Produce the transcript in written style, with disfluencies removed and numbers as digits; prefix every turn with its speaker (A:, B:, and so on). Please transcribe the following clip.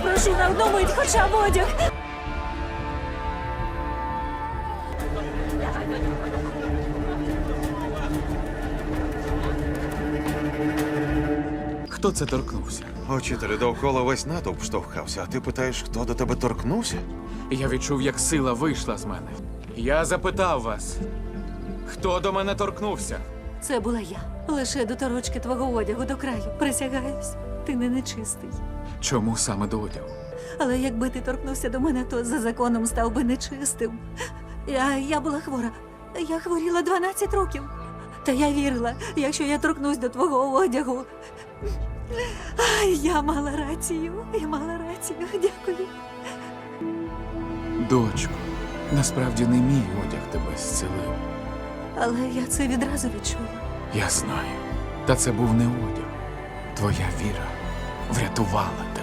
A: прошу на одну мить, хоча б одяг.
B: Хто це торкнувся?
C: Учителю, довкола весь натовп штовхався, а ти питаєш, хто до тебе торкнувся?
B: Я відчув, як сила вийшла з мене. Я запитав вас, хто до мене торкнувся?
A: Це була я. Лише до торочки твого одягу до краю. Присягаюсь, ти не нечистий.
B: Чому саме до одягу?
A: Але якби ти торкнувся до мене, то за законом став би нечистим. Я була хвора. Я хворіла 12 років. Та я вірила, якщо я торкнусь до твого одягу. Я мала рацію. Я мала рацію. Дякую.
B: Дочко, насправді не мій одяг тебе зцілив.
A: Але я це відразу відчула.
B: Я знаю. Та це був не одяг. Твоя віра врятувала.